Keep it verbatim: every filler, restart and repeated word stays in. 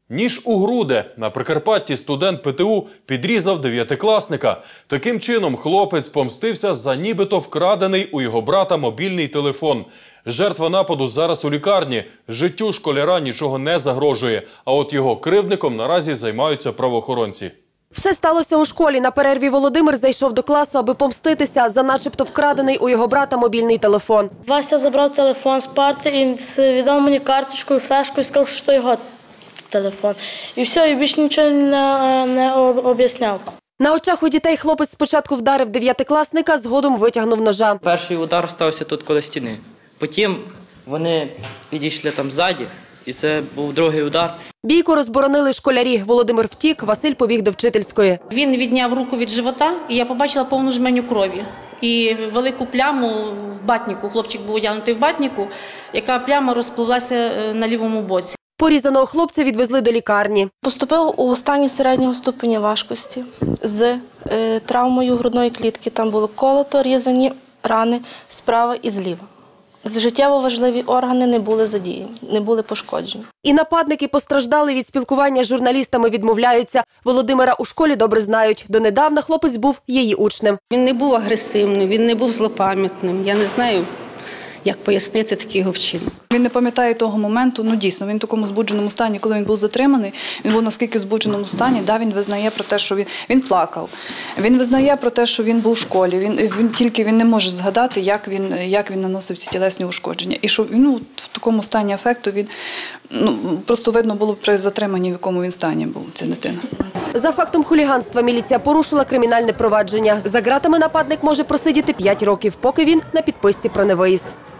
Ніж у груди. На Прикарпатті студент Пе Те У підрізав дев'ятикласника. Таким чином хлопець помстився за нібито вкрадений у його брата мобільний телефон. Жертва нападу зараз у лікарні. Життю школяра нічого не загрожує. А от його кривдником наразі займаються правоохоронці. Все сталося у школі. На перерві Володимир зайшов до класу, аби помститися за начебто вкрадений у його брата мобільний телефон. Вася забрав телефон з парти і віддав мені карточку і флешку і сказав, що це його телефон. І все, і більше нічого не, не об'ясняв. На очах у дітей хлопець спочатку вдарив дев'ятикласника, згодом витягнув ножа. Перший удар стався тут коло стіни. Потім вони підійшли там ззаді, і це був другий удар. Бійку розборонили школярі. Володимир втік, Василь побіг до вчительської. Він відняв руку від живота, і я побачила повну жменю крові. І велику пляму в батніку. Хлопчик був одягнутий в батніку, яка пляма розпливлася на лівому боці. Порізаного хлопця відвезли до лікарні. Поступив у стані середнього ступеня важкості з е, травмою грудної клітки. Там було колото, різані рани справа і зліва. Життєво важливі органи не були задіяні, не були пошкоджені. І нападники постраждали від спілкування з журналістами, відмовляються. Володимира у школі добре знають. Донедавна хлопець був її учнем. Він не був агресивним, він не був злопам'ятним. Я не знаю, як пояснити такий його вчинок. Він не пам'ятає того моменту, ну дійсно, він в такому збудженому стані, коли він був затриманий, він був наскільки в збудженому стані, да, він визнає про те, що він, він плакав. Він визнає про те, що він був в школі, він, він тільки він не може згадати, як він, як він наносив ці тілесні ушкодження. І що ну, в такому стані афекту він, ну, просто видно було при затриманні, в якому він стані був, ця дитина. За фактом хуліганства міліція порушила кримінальне провадження. За ґратами нападник може просидіти п'ять років, поки він на підписці про невиїзд.